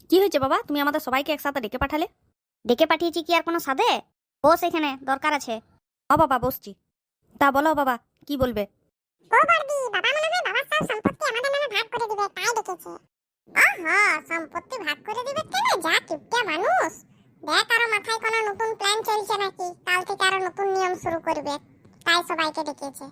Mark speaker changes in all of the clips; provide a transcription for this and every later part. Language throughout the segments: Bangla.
Speaker 1: কি হয়েছে বাবা, তুমি আমাদের সবাইকে একসাথে ডেকে পাঠালে?
Speaker 2: ডেকে পাঠিয়েছি কি আর কোনো সাধে? বস, এখানে দরকার আছে।
Speaker 1: ও বাবা, বসছি। তা বলো বাবা, কি বলবে?
Speaker 3: ও বর্দি, বাবা মনে হয় বাবার সব সম্পত্তি আমাদের নামে ভাগ করে দিবে, তাই ডেকেছে। ওহো, সম্পত্তি ভাগ করে দিবে কেন? যা কিপটা মানুষ। দেখ, আরো মাথায় কোনো নতুন প্ল্যান চলছে নাকি? কাল থেকে আরো নতুন নিয়ম শুরু করবে, তাই সবাইকে ডেকেছে।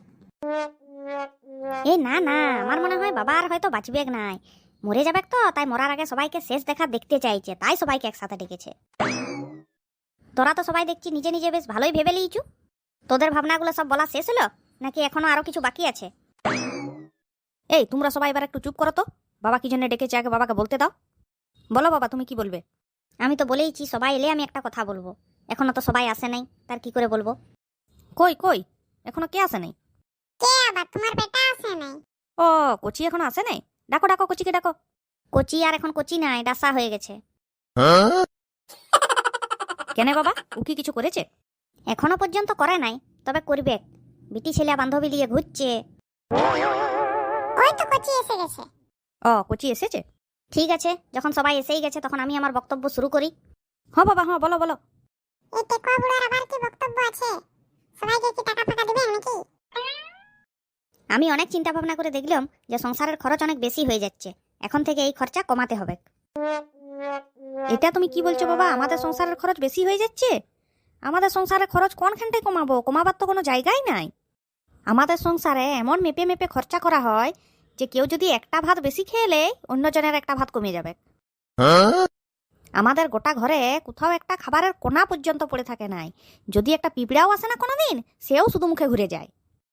Speaker 2: এই না না, আমার মনে হয় বাবা আর হয়তো বাঁচবে নাই, মরে যাবে তো, তাই মরার আগে সবাইকে শেষ দেখা দেখতে চাইছে, তাই সবাইকে একসাথে ডেকেছে। তোরা তো সবাই দেখছি নিজে নিজে বেশ ভালোই ভেবে লিয়েছু। তোদের ভাবনাগুলো সব বলা শেষ হলো নাকি এখনো আরো কিছু বাকি আছে?
Speaker 1: এই তোমরা সবাই এবার একটু চুপ করো তো। বাবা কি জন্য ডেকেছে আগে বাবাকে বলতে দাও। বলো বাবা, তুমি কি বলবে?
Speaker 2: আমি তো বলেইছি সবাই এলে আমি একটা কথা বলবো। এখনো তো সবাই আসে নাই, তার কি করে বলবো?
Speaker 1: কই কই, এখনো কে আসে নাই?
Speaker 3: কে আবার? তোমার বেটা আসে নাই?
Speaker 1: ও, কোচি এখনো আসে নাই? ডাকো ডাকো, কোচিকে ডাকো।
Speaker 2: কোচি আর এখন কোচি নাই, ডাসা হয়ে গেছে।
Speaker 1: কেন বাবা, ও কি কিছু করেছে?
Speaker 2: এখনো পর্যন্ত করে নাই, তবে করবে। বিটি ছেলে বান্ধবী নিয়ে ঘুরছে।
Speaker 3: ওই তো কচি এসে গেছে।
Speaker 1: ও, কোচি এসেছে?
Speaker 2: ঠিক আছে, যখন সবাই এসেই গেছে তখন আমি আমার বক্তব্য শুরু করি।
Speaker 1: হ্যাঁ বাবা, হ্যাঁ বলো বলো।
Speaker 3: এই টেকোয়া বুড়ার আবার কি বক্তব্য আছে? সবাইকে কি টাকা ফাঁকা দিবেন নাকি?
Speaker 2: আমি অনেক চিন্তা ভাবনা করে দেখলাম যে সংসারের খরচ অনেক বেশি হয়ে যাচ্ছে, এখন থেকে এই খরচা কমাতে হবে।
Speaker 1: এটা তুমি কি বলছো বাবা? আমাদের সংসারের খরচ বেশি হয়ে যাচ্ছে? আমাদের সংসারের খরচ কোনখানটায় কমাবো? কমাবার তো কোনো জায়গাই নাই। আমাদের সংসারে এমন মেপে মেপে খরচা করা হয় যে কেউ যদি একটা ভাত বেশি খেয়ে নেয়, অন্যজনের একটা ভাত কমে যাবে। আমাদের গোটা ঘরে কোথাও একটা খাবারের কোনা পর্যন্ত পড়ে থাকে নাই। যদি একটা পিঁপড়াও আসে না কোনোদিন, সেও শুধু মুখে ঘুরে যায়।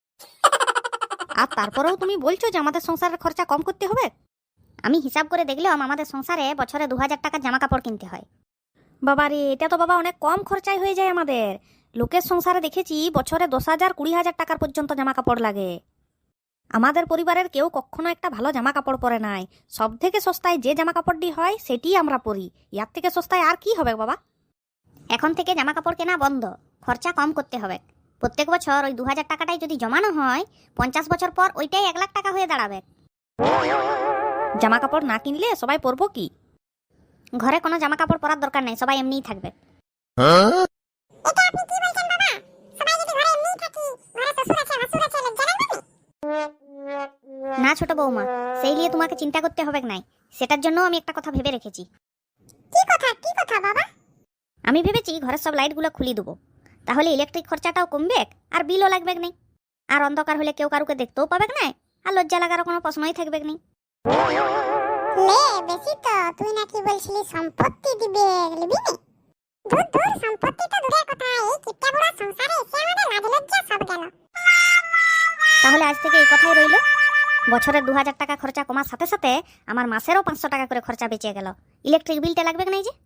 Speaker 1: আর তারপরেও তুমি বলছো যে আমাদের সংসারের খরচা কম করতে হবে?
Speaker 2: আমি হিসাব করে দেখলাম আমাদের সংসারে বছরে 2000 টাকার জামা কাপড় কিনতে হয়।
Speaker 1: বাবা রে, এটা তো বাবা অনেক কম খরচায় হয়ে যায় আমাদের। লোকের সংসারে দেখেছি বছরে 10,000 20,000 টাকার পর্যন্ত জামা কাপড় লাগে। আমাদের পরিবারের কেউ কখনো একটা ভালো জামা কাপড় পরে নাই। সব থেকে সস্তায় যে জামা কাপড়টি হয় সেটি আমরা পরি। ইয়ার থেকে সস্তায় আর কি হবে বাবা?
Speaker 2: এখন থেকে জামা কাপড় কেনা বন্ধ, খরচা কম করতে হবে। প্রত্যেক বছর ওই 2000 টাকাটাই যদি জমানো হয়, 50 বছর পর ওইটাই 1 লাখ টাকা হয়ে দাঁড়াবে।
Speaker 1: জামা কাপড় না কিনলে সবাই পরবো কি?
Speaker 2: ঘরে কোনো জামা কাপড় পরার দরকার নেই, সবাই এমনিই থাকবে।
Speaker 3: এটা আপনি কি বলছেন বাবা? সবাই যদি ঘরে এমনি থাকি, ঘরে শ্বশুর আছে ভাসুর আছে, লজ্জা লাগবে না?
Speaker 2: না ছোট বৌমা, সেই নিয়ে তোমাকে চিন্তা করতে হবে নাই। সেটার জন্য আমি একটা কথা ভেবে রেখেছি।
Speaker 3: কি কথা বাবা?
Speaker 2: আমি ভেবেছি ঘরের সব লাইটগুলো খুলে দেবো, তাহলে ইলেকট্রিক খরচাটাও কমবে আর বিলও লাগবে না। আর অন্ধকার হলে কেউ কারুকে দেখতেও পাবে না, আর লজ্জা লাগার কোনো প্রশ্নই থাকবে না।
Speaker 3: লে বেশি তো, তুই নাকি বলছিলি সম্পত্তি দিবে, লিবি নি? দূর দূর, সম্পত্তি তো দূরের কথা, এই কিপটা বুড়া সংসারে এসে আমাদের লাজ লজ্জা সব গেল।
Speaker 2: তাহলে আজ থেকে এই কথাই রইল। বছরের 2000 টাকা খরচা কমার সাথে সাথে আমার মাসেরও 500 টাকা করে খরচা বেঁচে গেল। ইলেকট্রিক বিলটা লাগবে না যে।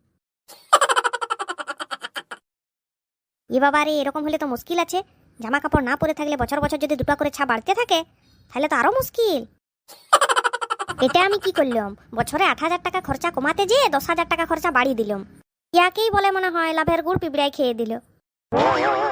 Speaker 2: এ বাবা রে, এরকম হলে তো মুশকিল আছে। জামা কাপড় না পরে থাকলে বছর বছর যদি 2টা করে ছা বাড়তে থাকে, তাহলে তো আরো মুশকিল। এটা আমি কি করলাম? বছরে 8,000 টাকা খরচা কমাতে যেয়ে 10,000 টাকা খরচা বাড়িয়ে দিলাম। ইয়াকেই বলে মনে হয় লাভের গুড় পিঁপড়ায় খেয়ে দিল।